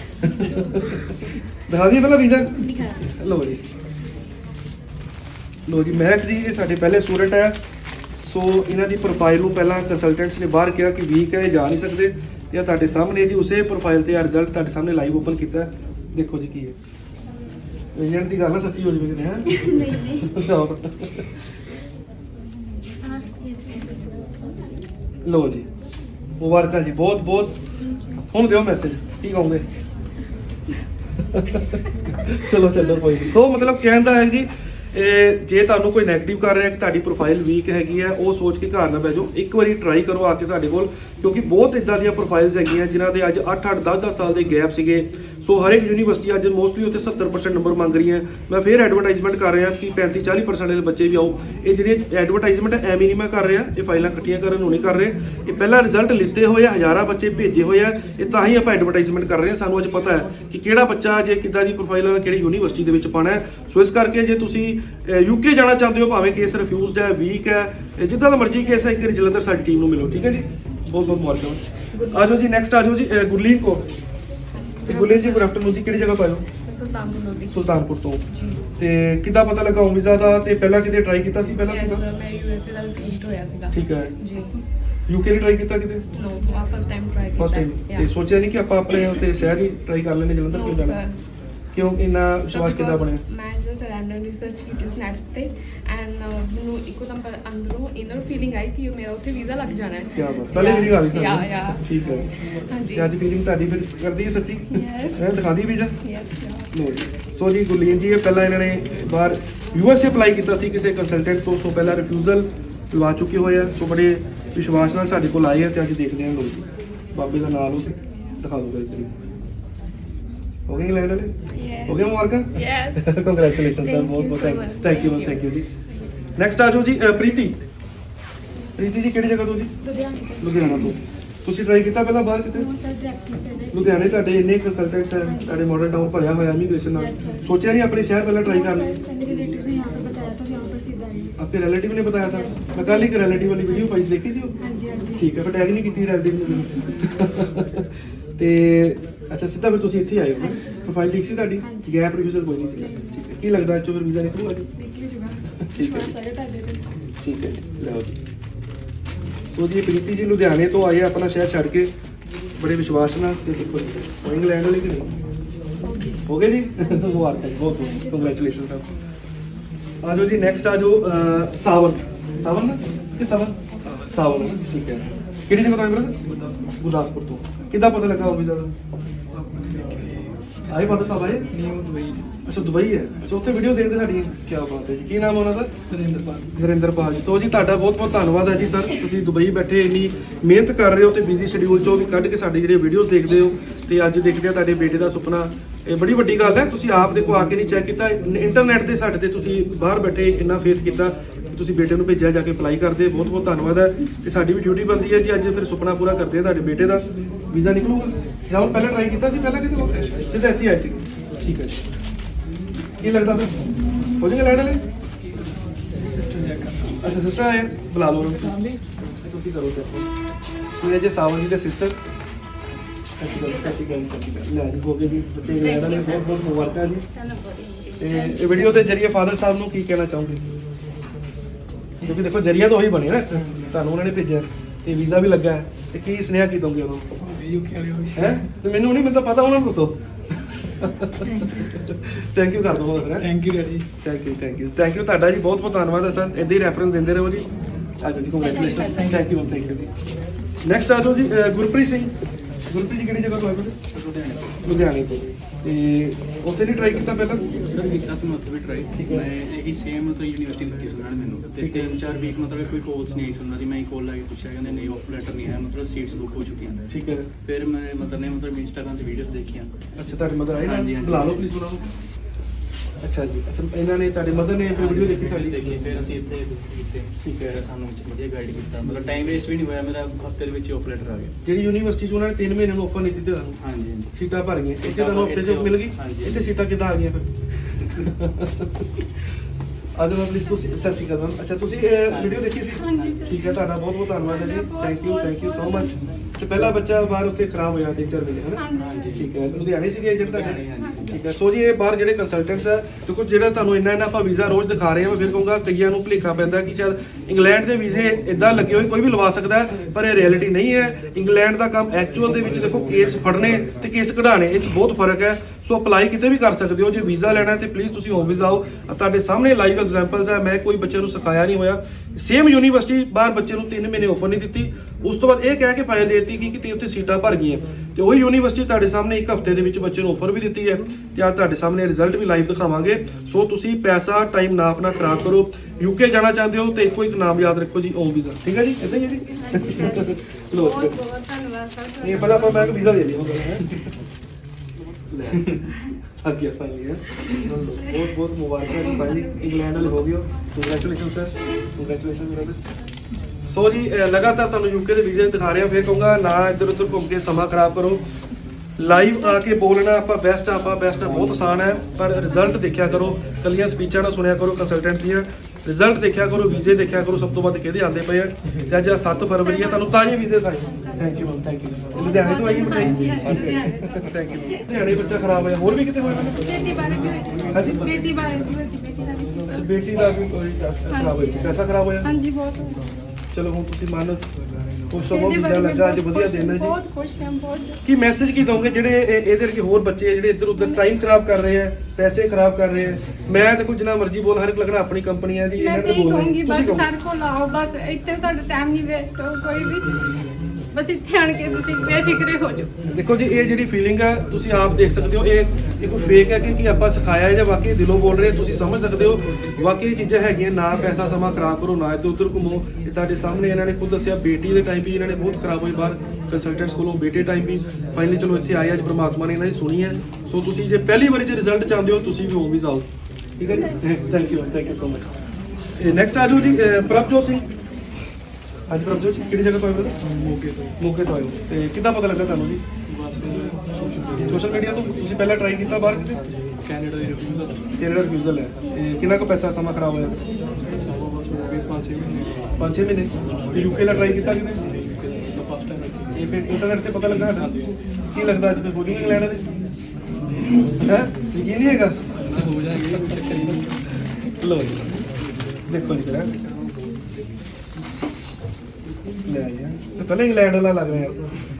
ਦਿਖਾ ਦਈਏ ਪਹਿਲਾਂ ਵੀਜ਼ਾ। ਲੋ ਜੀ ਮਹਿਕ ਜੀ ਇਹ ਸਾਡੇ ਪਹਿਲੇ ਸਟੂਡੈਂਟ ਹੈ। ਸੋ ਇਹਨਾਂ ਦੀ ਪ੍ਰੋਫਾਈਲ ਨੂੰ ਪਹਿਲਾਂ ਕੰਸਲਟੈਂਟਸ ਨੇ ਬਾਹਰ ਕਿਹਾ ਕਿ ਵੀਕ ਹੈ, ਇਹ ਜਾ ਨਹੀਂ ਸਕਦੇ। ਇਹ ਤੁਹਾਡੇ ਸਾਹਮਣੇ ਜੀ ਉਸੇ ਪ੍ਰੋਫਾਈਲ ਤੇ ਆ ਰਿਜ਼ਲਟ ਤੁਹਾਡੇ ਸਾਹਮਣੇ ਲਾਈਵ ਓਪਨ ਕੀਤਾ। ਦੇਖੋ ਜੀ ਕੀ ਹੈ। ਏਜੰਟ ਦੀ ਗੱਲ ਨਾ ਸੱਚੀ ਹੋ ਜਾਵੇ ਕਿਤੇ ਹੈ? ਨਹੀਂ ਲੋ ਜੀ ਮੁਬਾਰਕਾਂ ਜੀ, ਬਹੁਤ ਹੁਣ ਦਿਓ ਮੈਸੇਜ, ਕੀ ਕਹੋਗੇ? ਚਲੋ ਕੋਈ ਨਹੀਂ। ਸੋ ਮਤਲਬ ਕਹਿਣ ਦਾ ਹੈ ਜੀ ਜੇ ਤੁਹਾਨੂੰ ਕੋਈ ਨੈਗੇਟਿਵ ਕਰ ਰਿਹਾ ਕਿ ਤੁਹਾਡੀ ਪ੍ਰੋਫਾਈਲ ਵੀਕ ਹੈਗੀ ਹੈ, ਉਹ ਸੋਚ ਕੇ ਘਰ ਨਾ ਬਹਿ ਜਾਓ, ਇੱਕ ਵਾਰੀ ਟਰਾਈ ਕਰੋ ਆ ਕੇ ਸਾਡੇ ਕੋਲ, ਕਿਉਂਕਿ ਬਹੁਤ ਇਦਾਂ ਦੀਆਂ ਪ੍ਰੋਫਾਈਲਸ ਹੈਗੀਆਂ ਜਿਨ੍ਹਾਂ ਦੇ ਅੱਜ 8-8 10-10 ਸਾਲ ਦੇ ਗੈਪ ਸੀਗੇ। ਸੋ ਹਰ ਇੱਕ ਯੂਨੀਵਰਸਿਟੀ ਅੱਜ ਮੋਸਟਲੀ ਉੱਥੇ 70% ਨੰਬਰ ਮੰਗ ਰਹੀਆਂ। ਮੈਂ ਫੇਰ ਐਡਵਰਟਾਈਜ਼ਮੈਂਟ ਕਰ ਰਿਹਾ ਕਿ 35-40% ਦੇ ਬੱਚੇ ਵੀ ਆਓ। ਇਹ ਜਿਹੜੀ ਐਡਵਰਟਾਈਜ਼ਮੈਂਟ ਐਵੇਂ ਨਹੀਂ ਮੈਂ ਕਰ ਰਿਹਾ, ਇਹ ਫਾਈਲਾਂ ਇਕੱਠੀਆਂ ਕਰਨ ਨੂੰ ਨਹੀਂ ਕਰ ਰਹੇ, ਇਹ ਪਹਿਲਾਂ ਰਿਜ਼ਲਟ ਲਿੱਤੇ ਹੋਏ ਆ, ਹਜ਼ਾਰਾਂ ਬੱਚੇ ਭੇਜੇ ਹੋਏ ਆ, ਇਹ ਤਾਂ ਹੀ ਆਪਾਂ ਐਡਵਰਟਾਈਜ਼ਮੈਂਟ ਕਰ ਰਹੇ ਹਾਂ। ਸਾਨੂੰ ਅੱਜ ਪਤਾ ਹੈ ਕਿ ਕਿਹੜਾ ਬੱਚਾ ਜੇ ਕਿੱਦਾਂ ਦੀ ਪ੍ਰੋਫਾਈਲ ਵਾਲਾ ਕਿਹੜੀ ਯੂਨੀਵਰਸਿਟੀ ਦੇ ਵਿੱਚ ਪਾਉਣਾ ਹੈ। ਸੋ ਇਸ ਕਰਕੇ ਜੇ ਤੁਸੀਂ ਯੂਕੇ ਜਾਣਾ ਚਾਹੁੰਦੇ ਹੋ, ਭਾਵੇਂ ਕੇਸ ਰਿਫਿਊਜ਼ਡ ਹੈ, ਵੀਕ ਹੈ, ਜਿੱਦਾਂ ਦਾ ਮਰਜ਼ੀ ਕੇਸ ਹੈ, ਇੱਕ ਵਾਰੀ ਜਲੰਧਰ ਸਾਡੀ ਟੀਮ ਨੂੰ ਮਿਲੋ। ਠੀਕ ਹੈ ਜੀ, ਬਹੁਤ ਮੁਬਾਰਕਾਂ। ਆ ਜਾਓ ਜੀ ਨੈਕਸਟ ਆ ਜਾਓ ਜੀ ਗੁਰਲੀਨ ਕੌਰ। ਗੁਰਲੀਨ ਜੀ ਗੁੱਡ ਆਫਟਰਨੂਨ ਜੀ, ਕਿਹੜੀ ਜਗ੍ਹਾ ਪਾਇਓ? ਸੁਲਤਾਨਪੁਰ ਤੋਂ। ਤੇ ਕਿੱਦਾਂ ਪਤਾ ਲੱਗਾ ਵੀਜ਼ਾ ਦਾ? ਤੇ ਪਹਿਲਾਂ ਕਿਤੇ ਟਰਾਈ ਕੀਤਾ ਸੀ? ਪਹਿਲਾਂ ਮੈਂ ਯੂਐਸਏ ਦਾ ਵਿਜ਼ਿਟ ਹੋਇਆ ਸੀਗਾ। ਠੀਕ ਹੈ ਜੀ। ਯੂਕੇ ਨਹੀਂ ਟਰਾਈ ਕੀਤਾ ਕਿਤੇ? ਨੋ, ਫਸਟ ਟਾਈਮ ਟਰਾਈ ਕੀਤਾ। First time. ਤੇ ਸੋਚਿਆ ਨਹੀਂ ਕਿ ਆਪਾਂ ਆਪਣੇ ਉੱਤੇ ਸ਼ਹਿਰ ਹੀ ਟਰਾਈ ਕਰ ਲੈਂਦੇ, ਜਲੰਧਰ ਕਿਉਂ ਜਾਣਾ? ਕਿਉਂ ਇੰਨਾ ਵਿਸ਼ਵਾਸ ਕਿੱਦਾਂ ਬਣਿਆ? ਮੈਂ ਜਸਟ ਰੈਂਡਮ ਰਿਸਰਚ ਕੀਤੀ ਸਨੈਪ ਤੇ ਐਂਡ ਮੈਨੂੰ ਇੱਕਦਮ ਅੰਦਰੋਂ ਇਨਰ ਫੀਲਿੰਗ ਆਈ ਕਿ ਮੇਰਾ ਉੱਥੇ ਵੀਜ਼ਾ ਲੱਗ ਜਾਣਾ ਹੈ। ਕੀ ਬਾਤ, ਪਹਿਲੇ ਵੀ ਆ ਗਈ ਸਾਨੂੰ। ਯਾ ਠੀਕ ਹੈ। ਹਾਂਜੀ। ਤੇ ਅੱਜ ਫੀਲਿੰਗ ਤੁਹਾਡੀ ਫਿਰ ਕਰਦੀ ਹੈ ਸੱਚੀ? Yes। ਹੈ ਦਿਖਾਦੀ ਵੀਜ਼ਾ? ਯੈਸ। ਲੋ ਜੀ। ਸੋ ਜੀ ਗੁਰਲੀਨ ਜੀ ਇਹ ਪਹਿਲਾਂ ਇਹਨਾਂ ਨੇ ਬਾਹਰ ਯੂਐਸਏ ਅਪਲਾਈ ਕੀਤਾ ਸੀ ਕਿਸੇ ਕੰਸਲਟੈਂਟ ਤੋਂ। ਸੋ ਪਹਿਲਾਂ ਰਿਫਿਊਜ਼ਲ ਲਵਾ ਚੁੱਕੇ ਹੋਏ ਆ। ਸੋ ਬੜੇ ਵਿਸ਼ਵਾਸ ਨਾਲ ਸਾਡੇ ਕੋਲ ਆਏ ਆ ਤੇ ਅੱਜ ਦੇਖਦੇ ਹਾਂ। ਲੋ ਜੀ ਬਾਬੇ ਦਾ ਨਾਮ ਉਹ ਦਿਖਾ ਦੂਗਾ ਇਸ ਤਰੀਕੇ। ਹੋ ਗਏ ਇੰਗਲੈਂਡ ਵਾਲੇ? ਹੋ ਗਏ ਮੁਬਾਰਕਾਂ? ਯੈਸ। ਕੰਗ੍ਰੈਚੁਲੇਸ਼ਨ ਸਰ, ਬਹੁਤ ਥੈਂਕ ਯੂ ਜੀ। ਨੈਕਸਟ ਆ ਜਾਓ ਜੀ ਪ੍ਰੀਤੀ ਜੀ, ਕਿਹੜੀ ਜਗ੍ਹਾ ਤੋਂ ਜੀ? ਲੁਧਿਆਣਾ ਤੋਂ। ਤੁਸੀਂ ਟਰਾਈ ਕੀਤਾ ਪਹਿਲਾਂ ਬਾਹਰ ਕਿਤੇ? ਲੁਧਿਆਣੇ ਤੁਹਾਡੇ ਇੰਨੇ ਕੰਸਲਟੈਂਟਸ ਹੈ, ਤੁਹਾਡੇ ਮਾਡਲ ਟਾਊਨ ਭਰਿਆ ਹੋਇਆ ਇਮੀਗ੍ਰੇਸ਼ਨ ਨਾਲ। ਸੋਚਿਆ ਨਹੀਂ ਆਪਣੇ ਸ਼ਹਿਰ ਪਹਿਲਾਂ ट्राई करना? आपके रिलेटिव ने बताया था? मैं कल एक रिलेटिव वाली वीडियो पाई देखी सी? ठीक है, फिर टैग नहीं की रिलेटिव ने। ਤੇ ਅੱਛਾ ਸਿੱਧਾ ਫਿਰ ਤੁਸੀਂ ਇੱਥੇ ਆਏ ਹੋ? ਪ੍ਰੋਫਾਈਲ ਠੀਕ ਸੀ ਤੁਹਾਡੀ? ਗੈਪ ਰਿਫਿਊਜ਼ਲ ਕੋਈ ਨਹੀਂ ਸੀ? ਠੀਕ ਹੈ। ਕੀ ਲੱਗਦਾ ਅੱਜ ਫਿਰ ਵੀਜ਼ਾ ਨਿਕਲੂਗਾ ਜੀ? ਠੀਕ ਹੈ ਠੀਕ ਹੈ। ਲਓ ਜੀ। ਸੋ ਜੀ ਪ੍ਰੀਤੀ ਜੀ ਲੁਧਿਆਣੇ ਤੋਂ ਆਏ ਆਪਣਾ ਸ਼ਹਿਰ ਛੱਡ ਕੇ ਬੜੇ ਵਿਸ਼ਵਾਸ ਨਾਲ। ਤੇ ਦੇਖੋ ਇੰਗਲੈਂਡ ਵਾਲੇ ਕਿ ਨਹੀਂ ਹੋ ਗਏ ਜੀ? ਮੁਬਾਰਕਾਂ ਜੀ, ਬਹੁਤ ਕੰਗ੍ਰੈਚੁਲੇਸ਼ਨ ਸਰ। ਆ ਜਾਓ ਜੀ ਨੈਕਸਟ ਆ ਜਾਓ ਸਾਵਨ ਨਾ ਕਿ ਸਾਵਨ। ਠੀਕ ਹੈ। ਕਿਹੜੀ ਜਗ੍ਹਾ ਤੋਂ ਆਏ ਬ੍ਰਦਰ? ਗੁਰਦਾਸਪੁਰ ਤੋਂ। ਕਿੱਦਾਂ ਪਤਾ ਲੱਗਾ ਉਹ ਵੀਜ਼ਾ ਦਾ? ਆਏ ਫਾਦਰ ਸਾਹਿਬ ਆਏ? ਅੱਛਾ ਦੁਬਈ ਹੈ। ਅੱਛਾ ਉੱਥੇ ਵੀਡੀਓ ਦੇਖਦੇ ਸਾਡੀ। ਕੀ ਬਾਤ ਹੈ ਜੀ। ਕੀ ਨਾਮ ਉਹਨਾਂ ਦਾ? ਨਰਿੰਦਰਪਾਲ ਜੀ। ਸੋ ਜੀ ਤੁਹਾਡਾ ਬਹੁਤ ਧੰਨਵਾਦ ਹੈ ਜੀ ਸਰ, ਤੁਸੀਂ ਦੁਬਈ ਬੈਠੇ ਇੰਨੀ ਮਿਹਨਤ ਕਰ ਰਹੇ ਹੋ ਤੇ ਬਿਜ਼ੀ ਸ਼ਡਿਊਲ ਚੋਂ ਵੀ ਕੱਢ ਕੇ ਸਾਡੇ ਜਿਹੜੇ ਵੀਡੀਓਜ਼ ਦੇਖਦੇ ਹੋ ਤੇ ਅੱਜ ਦੇਖਦੇ ਆ ਤੁਹਾਡੇ ਬੇਟੇ ਦਾ ਸੁਪਨਾ। ਇਹ ਬੜੀ ਵੱਡੀ ਗੱਲ ਹੈ। ਤੁਸੀਂ ਆਪ ਦੇਖੋ ਆ ਕੇ ਨਹੀਂ ਚੈੱਕ ਕੀਤਾ, ਇੰਟਰਨੈਟ ਤੇ ਸਾਡੇ ਤੇ ਤੁਸੀਂ ਬਾਹਰ ਬੈਠੇ ਇੰਨਾ ਫੇਥ ਕੀਤਾ। ਕਿ ਤੁਸੀਂ ਬੇਟੇ ਨੂੰ ਭੇਜਿਆ, ਜਾ ਕੇ ਅਪਲਾਈ ਕਰਦੇ, ਬਹੁਤ ਬਹੁਤ ਧੰਨਵਾਦ ਹੈ। ਤੇ ਸਾਡੀ ਵੀ ਡਿਊਟੀ ਬਣਦੀ ਹੈ ਜੀ ਅੱਜ ਫਿਰ ਸੁਪਨਾ ਪੂਰਾ ਕਰਦੇ ਆ ਤੁਹਾਡੇ ਬੇਟੇ ਦਾ ਵੀਜ਼ਾ ਨਿਕਲੂਗਾ। ਜਾਂ ਹੁਣ ਪਹਿਲਾਂ ਟਰਾਈ ਕੀਤਾ ਸੀ, ਪਹਿਲਾਂ ਕਿਤੇ ਹੋਰ ਸਿੱਧਾ ਇੱਥੇ ਆਏ ਸੀ? ਠੀਕ ਹੈ ਜੀ। ਕੀ ਲੱਗਦਾ ਫਿਰ ਹੋ ਜਾਏਗਾ ਲੈਣ ਵਾਲੇ? ਅੱਛਾ ਸਿਸਟਰ ਆਏ, ਬੁਲਾ ਲਓ ਉਹਨਾਂ ਨੂੰ। ਤੁਸੀਂ ਕਰੋ ਸਰ। ਸੁਣਿਆ ਜੀ ਸਾਵਨ ਜੀ ਦੇ ਸਿਸਟਰ। ਲੈ ਜੀ ਹੋ ਗਏ ਜੀ ਬੱਚੇ ਲੈਣ ਵਾਲੇ, ਬਹੁਤ ਬਹੁਤ ਮੁਬਾਰਕਾਂ ਜੀ। ਤੇ ਇਹ ਵੀਡੀਓ ਦੇ ਜਰੀਏ ਫਾਦਰ ਸਾਹਿਬ ਨੂੰ ਕੀ ਕਹਿਣਾ ਚਾਹੋਗੇ? ਕਿਉਂਕਿ ਦੇਖੋ ਜਰੀਆ ਤਾਂ ਉਹੀ ਬਣਿਆ ਨਾ, ਤੁਹਾਨੂੰ ਉਹਨਾਂ ਨੇ ਭੇਜਿਆ ਤੇ ਵੀਜ਼ਾ ਵੀ ਲੱਗਾ ਹੈ, ਤੇ ਕੀ ਸੁਨੇਹਾ ਕੀ ਦੋਗੇ ਉਹਨਾਂ ਨੂੰ? ਹੈ ਤੇ ਮੈਨੂੰ ਨਹੀਂ, ਮੈਨੂੰ ਤਾਂ ਪਤਾ, ਉਹਨਾਂ ਨੂੰ ਦੱਸੋ। ਥੈਂਕ ਯੂ ਕਰ ਦੋ ਫਿਰ। Thank you daddy. Thank you ਤੁਹਾਡਾ ਜੀ, ਬਹੁਤ ਬਹੁਤ ਧੰਨਵਾਦ ਹੈ ਸਰ। ਇੱਦਾਂ ਹੀ ਰੈਫਰੈਂਸ ਦਿੰਦੇ ਰਹੋ ਜੀ। ਆਜੋ ਜੀ, ਕੰਗ੍ਰੈਚੁਲੇਸ਼ਨ। ਥੈਂਕ ਯੂ ਜੀ। ਨੈਕਸਟ ਆਜੋ ਜੀ ਗੁਰਪ੍ਰੀਤ ਸਿੰਘ। ਗੁਰਪ੍ਰੀਤ ਜੀ ਕਿਹੜੀ ਜਗ੍ਹਾ ਤੋਂ ਆਏ ਹੋ? ਲੁਧਿਆਣੇ ਤੋਂ। ਤੇ ਉੱਥੇ ਨਹੀਂ ਟਰਾਈ ਕੀਤਾ ਪਹਿਲਾਂ? ਸਰ ਕੀਤਾ ਸੀ ਮੈਂ ਉੱਥੇ ਵੀ ਟਰਾਈ। ਠੀਕ ਹੈ। ਮੈਂ ਇਹੀ ਸੇਮ ਤੋਂ ਯੂਨੀਵਰਸਿਟੀ ਲੱਗੀ ਸੀ ਉਹਨਾਂ ਨੇ ਮੈਨੂੰ, ਤੇ ਠੀਕ ਹੈ। 3-4 ਵੀਕ ਮਤਲਬ ਕੋਈ ਕੋਲਸ ਨਹੀਂ ਆਈ ਸੀ ਉਹਨਾਂ ਦੀ। ਮੈਂ ਹੀ ਕੋਲ ਲਾ ਕੇ ਪੁੱਛਿਆ, ਕਹਿੰਦੇ ਨਹੀਂ ਆਫ ਲੈਟਰ ਨਹੀਂ ਆਇਆ, ਮਤਲਬ ਸੀਟਸ ਬੁੱਕ ਹੋ ਚੁੱਕੀਆਂ ਨੇ। ਠੀਕ ਹੈ। ਫਿਰ ਮੈਂ ਮਦਰ ਨੇ ਮਤਲਬ ਇੰਸਟਾਗ੍ਰਾਮ ਤੇ ਵੀਡੀਓਜ਼ ਦੇਖੀਆਂ। ਅੱਛਾ ਤੁਹਾਡੇ ਮਦਰ ਆਏ ਨਾ? ਹਾਂਜੀ, ਹਾਂਜੀ। ਬੁਲਾ ਲਓ ਪਲੀਜ਼ ਉਹਨਾਂ ਨੂੰ। ਅੱਛਾ ਜੀ, ਅੱਛਾ ਇਹਨਾਂ ਨੇ ਤੁਹਾਡੇ ਮਦਰ ਨੇ ਫਿਰ ਵੀਡੀਓ ਦੇਖੀ ਸਾਡੀ? ਦੇਖੀ, ਫਿਰ ਅਸੀਂ ਇੱਥੇ visit ਕੀਤੇ। ਠੀਕ ਹੈ। ਫਿਰ ਸਾਨੂੰ ਵਧੀਆ ਗਾਈਡ ਕੀਤਾ, ਮਤਲਬ ਟਾਈਮ ਵੇਸਟ ਵੀ ਨਹੀਂ ਹੋਇਆ ਮੇਰਾ, ਹਫਤੇ ਦੇ ਵਿੱਚ ਆਫ ਲੈਟਰ ਆ ਗਿਆ। ਜਿਹੜੀ ਯੂਨੀਵਰਸਿਟੀ 'ਚ ਉਹਨਾਂ ਨੇ 3 ਮਹੀਨੇ ਨੂੰ ਆਫਰ ਨਹੀਂ ਦਿੱਤੇ ਤੁਹਾਨੂੰ? ਹਾਂਜੀ ਹਾਂਜੀ। ਸੀਟਾਂ ਭਰ ਗਈਆਂ ਇੱਥੇ, ਤੁਹਾਨੂੰ ਹਫਤੇ 'ਚ ਮਿਲ ਗਈ? ਹਾਂਜੀ। ਇੱਥੇ ਸੀਟਾਂ ਕਿੱਦਾਂ ਆ ਗਈਆਂ ਫਿਰ? ਆਜੋ ਮੈਂ ਪਲੀਜ਼, ਤੁਸੀਂ ਸਰਚ ਕਰ ਲਓ। ਅੱਛਾ ਤੁਸੀਂ ਵੀਡੀਓ ਦੇਖੀ ਸੀ? ਹਾਂਜੀ sir। ਠੀਕ ਹੈ, ਤੁਹਾਡਾ ਬਹੁਤ ਬਹੁਤ ਧੰਨਵਾਦ ਹੈ ਜੀ। Thank you so much. ਤੇ ਪਹਿਲਾ ਬੱਚਾ ਬਾਹਰ ਉੱਥੇ ਖਰਾਬ ਹੋਇਆ 3-4 ਮਹੀਨੇ ਹੈ ਨਾ? ਹਾਂਜੀ ਠੀਕ ਹੈ, ਲੁਧਿਆਣੇ ਸੀਗੇ ਏਜੰਟ ਤੁਹਾਡੇ? ਹਾਂਜੀ। ਠੀਕ ਹੈ। ਸੋ ਜੀ ਇਹ ਬਾਹਰ ਜਿਹੜੇ ਕੰਸਲਟੈਂਟਸ ਹੈ, ਦੇਖੋ ਜਿਹੜਾ ਤੁਹਾਨੂੰ ਇੰਨਾ ਆਪਾਂ ਵੀਜ਼ਾ ਰੋਜ਼ ਦਿਖਾ ਰਹੇ ਹਾਂ, ਮੈਂ ਫਿਰ ਕਹੂੰਗਾ ਕਈਆਂ ਨੂੰ ਭੁਲੇਖਾ ਪੈਂਦਾ ਕਿ ਸ਼ਾਇਦ ਇੰਗਲੈਂਡ ਦੇ ਵੀਜ਼ੇ ਇਦਾਂ ਲੱਗੇ ਹੋਏ ਕੋਈ ਵੀ ਲਵਾ ਸਕਦਾ ਹੈ, ਪਰ ਇਹ ਰਿਐਲਿਟੀ ਨਹੀਂ ਹੈ। ਇੰਗਲੈਂਡ ਦਾ ਕੰਮ ਐਕਚੁਅਲ ਦੇ ਵਿੱਚ ਦੇਖੋ ਕੇਸ ਫੜਨੇ ਤੇ ਕੇਸ ਕਢਾਣੇ, ਇਹ 'ਚ ਬਹੁਤ ਫਰਕ ਹੈ। ਸੋ ਅਪਲਾਈ ਕਿਤੇ ਵੀ ਕਰ ਸਕਦੇ ਹੋ। ਜੇ ਵੀਜ਼ਾ ਲੈਣਾ ਤੇ ਪਲੀਜ਼ ਤੁਸੀਂ ਹੋਮ ਵੀਜ਼ਾ ਆਓ। ਤੁਹਾਡੇ ਸਾਹਮਣੇ ਲਾਈਵ ਐਗਜ਼ਾਮਪਲਸ ਹੈ। ਮੈਂ ਕੋਈ ਬੱਚੇ ਨੂੰ ਸਿਖਾਇਆ ਨਹੀਂ ਹੋਇਆ। ਸੇਮ ਯੂਨੀਵਰਸਿਟੀ ਬਾਹਰ ਬੱਚੇ ਨੂੰ 3 ਮਹੀਨੇ ਆਫਰ ਨਹੀਂ ਦਿੱਤੀ, ਉਸ ਤੋਂ ਬਾਅਦ ਇਹ ਕਹਿ ਕੇ ਫਾਈਲ ਦੇ ਦਿੱਤੀ ਕਿ ਕਿਤੇ ਉੱਥੇ ਸੀਟਾਂ ਭਰ ਗਈਆਂ, ਤੇ ਉਹੀ ਯੂਨੀਵਰਸਿਟੀ ਤੁਹਾਡੇ ਸਾਹਮਣੇ 1 ਹਫ਼ਤੇ ਦੇ ਵਿੱਚ ਬੱਚੇ ਨੂੰ ਆਫਰ ਵੀ ਦਿੱਤੀ ਹੈ, ਤੇ ਆ ਤੁਹਾਡੇ ਸਾਹਮਣੇ ਰਿਜ਼ਲਟ ਵੀ ਲਾਈਵ ਦਿਖਾਵਾਂਗੇ। ਸੋ ਤੁਸੀਂ ਪੈਸਾ ਟਾਈਮ ਨਾ ਆਪਣਾ ਖਰਾਬ ਕਰੋ। ਯੂਕੇ ਜਾਣਾ ਚਾਹੁੰਦੇ ਹੋ ਤੇ ਇੱਕੋ ਇੱਕ ਨਾਮ ਯਾਦ ਰੱਖੋ ਜੀ, ਹੋਮ ਵੀਜ਼ਾ। ਠੀਕ ਹੈ ਜੀ, ਇਦਾਂ ਹੀ ਹੈ ਜੀ। ਲੋ ਬਹੁਤ ਬਹੁਤ ਧੰਨਵਾਦ ਸਰ। ਇਹ ਪਹਿਲਾਂ ਆਪਾਂ ਮੈਂ ਵੀਜ਼ਾ ਦੇ ਲਿਆ ਹੁੰਦਾ ਅੱਗੇ ਫਾਈਨਲੀ ਹੈ। ਬਹੁਤ ਬਹੁਤ ਮੁਬਾਰਕਾਂ ਜੀ, ਫਾਈਨਲੀ ਇੰਗਲੈਂਡ ਵਾਲੇ ਹੋ ਗਏ ਹੋ। Congratulation sir, congratulation brother. So ਜੀ ਲਗਾਤਾਰ ਤੁਹਾਨੂੰ ਯੂਕੇ ਦੇ ਵੀਜ਼ੇ ਦਿਖਾ ਰਹੇ ਹਾਂ, ਫਿਰ ਕਹੂੰਗਾ ਨਾ ਇੱਧਰ ਉੱਧਰ ਘੁੰਮ ਕੇ ਸਮਾਂ ਖਰਾਬ ਕਰੋ। ਲਾਈਵ ਆ ਕੇ ਬੋਲਣਾ ਆਪਾਂ ਬੈਸਟ ਆ, ਬਹੁਤ ਆਸਾਨ ਹੈ, ਪਰ ਰਿਜ਼ਲਟ ਦੇਖਿਆ ਕਰੋ। ਕੱਲੀਆਂ ਸਪੀਚਾਂ ਨਾ ਸੁਣਿਆ ਕਰੋ ਕੰਸਲਟੈਂਟਸ ਦੀਆਂ, ਰਿਜ਼ਲਟ ਦੇਖਿਆ ਕਰੋ, ਵੀਜ਼ੇ ਦੇਖਿਆ ਕਰੋ। ਸਭ ਤੋਂ ਵੱਧ ਕਿਹਦੇ ਆਉਂਦੇ ਪਏ ਆ, ਤੇ ਅੱਜ 7 ਫਰਵਰੀ ਹੈ, ਤੁਹਾਨੂੰ ਤਾਜ਼ੇ ਵੀਜ਼ੇ ਦਿਖਾਏ। Thank you ma'am, thank you. ਲੁਧਿਆਣੇ ਤੋਂ ਆਈ ਹੈ ਹਾਂਜੀ, ਬਤਾਈ? ਹਾਂਜੀ, ਥੈਂਕ ਯੂ। ਲੁਧਿਆਣੇ ਬੱਚਾ ਖਰਾਬ ਹੋਇਆ, ਹੋਰ ਵੀ ਕਿਤੇ ਹੋਇਆ? ਬੇਟੀ ਬਾਰੇ ਵੀ ਹਾਂਜੀ? ਬੇਟੀ ਬਾਰੇ ਬੇਟੀ ਦਾ ਵੀ ਬੇਟੀ ਦਾ ਵੀ ਕੋਈ ਖਰਾਬ ਹੋਇਆ ਸੀ, ਪੈਸਾ ਖਰਾਬ ਹੋਇਆ? ਹਾਂਜੀ ਬਹੁਤ ਚਲੋ ਹੁਣ ਤੁਸੀਂ ਮੰਨ ਖੁਸ਼ ਹੋ, ਵੀਜ਼ਾ ਲੱਗਾ, ਅੱਜ ਵਧੀਆ ਦਿਨ ਹੈ ਜੀ। ਬਹੁਤ ਖੁਸ਼ ਹਾਂ, ਬਹੁਤ। ਕੀ ਮੈਸੇਜ ਕੀ ਦੋਗੇ ਜਿਹੜੇ ਇਹਦੇ ਵਰਗੇ ਹੋਰ ਬੱਚੇ ਆ ਜਿਹੜੇ ਇੱਧਰ ਉੱਧਰ ਟਾਈਮ ਖਰਾਬ ਕਰ ਰਹੇ ਆ, ਪੈਸੇ ਖਰਾਬ ਕਰ ਰਹੇ ਆ? ਮੈਂ ਦੇਖੋ ਜਿੰਨਾ ਮਰਜ਼ੀ ਬੋਲ, ਹਰ ਇੱਕ ਲੱਗਣਾ ਆਪਣੀ ਕੰਪਨੀ ਹੈ ਜੀ, ਮੈਂ ਇਹਨਾਂ ਤੇ ਤੇ ਬੋਲਣਾ ਕਹੂੰਗੀ ਬਸ ਤੁਸੀਂ ਕਹੋ। ਸਰ ਕੋਲ ਆਓ, ਬਸ ਇੱਥੇ ਤੁਹਾਡਾ ਟਾਈਮ ਨਹੀਂ ਵੇਸਟ ਹੋ ਕੋਈ ਵੀ, ਬਸ ਇੱਥੇ ਆਣ ਕੇ ਤੁਸੀਂ ਬੇਫਿਕਰੇ ਹੋ ਜਾਓ। ਦੇਖੋ ਜੀ ਇਹ ਜਿਹੜੀ ਫੀਲਿੰਗ ਆ ਤੁਸੀਂ ਆਪ ਦੇਖ ਸਕਦੇ ਹੋ, ਇਹ ਕੋਈ ਫੇਕ ਹੈ ਕਿ ਆਪਾਂ ਸਿਖਾਇਆ ਹੈ ਜਾਂ ਵਾਕਈ ਦਿਲੋਂ ਬੋਲ ਰਹੇ, ਤੁਸੀਂ ਸਮਝ ਸਕਦੇ ਹੋ ਵਾਕਈ ਇਹ ਚੀਜ਼ਾਂ ਹੈਗੀਆਂ। ਨਾ ਪੈਸਾ ਸਮਾਂ ਖਰਾਬ ਕਰੋ, ਨਾ ਇੱਧਰ ਉੱਧਰ ਘੁੰਮੋ। ਇਹ ਤੁਹਾਡੇ ਸਾਹਮਣੇ ਇਹਨਾਂ ਨੇ ਖੁਦ ਦੱਸਿਆ, ਬੇਟੀ ਦੇ ਟਾਈਮ ਵੀ ਇਹਨਾਂ ਨੇ ਬਹੁਤ ਖਰਾਬ ਹੋਈ ਬਾਹਰ ਕੰਸਲਟੈਂਟਸ ਕੋਲੋਂ, ਬੇਟੇ ਟਾਈਮ ਵੀ ਫਾਈਨਲੀ ਚਲੋ ਇੱਥੇ ਆਏ, ਅੱਜ ਪ੍ਰਮਾਤਮਾ ਨੇ ਇਹਨਾਂ ਦੀ ਸੁਣੀ ਹੈ। ਸੋ ਤੁਸੀਂ ਜੇ ਪਹਿਲੀ ਵਾਰੀ 'ਚ ਰਿਜ਼ਲਟ ਚਾਹੁੰਦੇ ਹੋ, ਤੁਸੀਂ ਵੀ ਹੋਮ ਵੀਜ਼ਾ ਆਓ। ਠੀਕ ਹੈ ਜੀ, thank you so much. Next ਆ ਜਾਓ ਜੀ ਪ੍ਰਭਜੋਤ ਸਿੰਘ। ਹਾਂਜੀ ਪ੍ਰਭਜੋਤ ਜੀ, ਕਿਹੜੀ ਜਗ੍ਹਾ ਤੋਂ ਆਏ ਹੋ? ਮੋਗੇ ਤੋਂ ਆਏ ਹੋ। ਤੇ ਕਿੱਦਾਂ ਪਤਾ ਲੱਗਾ ਤੁਹਾਨੂੰ ਜੀ? ਸੋਸ਼ਲ ਮੀਡੀਆ ਤੋਂ। ਤੁਸੀਂ ਪਹਿਲਾਂ ਟਰਾਈ ਕੀਤਾ ਬਾਹਰ ਕਿਤੇ? ਕੈਨੇਡਾ ਦੀ ਕੈਨੇਡਾ ਰਿਫਿਊਜ਼ਲ ਹੈ। ਤੇ ਕਿੰਨਾ ਕੁ ਪੈਸਾ ਸਮਾਂ ਖਰਾਬ ਹੋਇਆ? 5-6 ਮਹੀਨੇ। ਤੇ ਯੂਕੇ ਦਾ ਟਰਾਈ ਕੀਤਾ ਕਿਤੇ? ਇਹ ਫਿਰ ਇੰਟਰਨੈਟ ਤੇ ਪਤਾ ਲੱਗਾ ਸਾਡਾ। ਕੀ ਲੱਗਦਾ ਅੱਜ ਫਿਰ ਹੋ ਜਾਊਗੀ ਇੰਗਲੈਂਡ ਦੇ? ਹੈ ਯਕੀਨ ਨਹੀਂ ਹੈਗਾ? ਹੋ ਜਾਏਗੀ, ਕੋਈ ਚੱਕਰ ਹੀ ਨਹੀਂ। ਲੋ ਜੀ ਦੇਖੋ ਜੀ ਕਰਾਂ ਲੈ ਯਾਰ, ਤੇ ਪਹਿਲਾਂ ਇੰਗਲੈਂਡ ਵਾਲਾ ਲੱਗ ਰਿਹਾ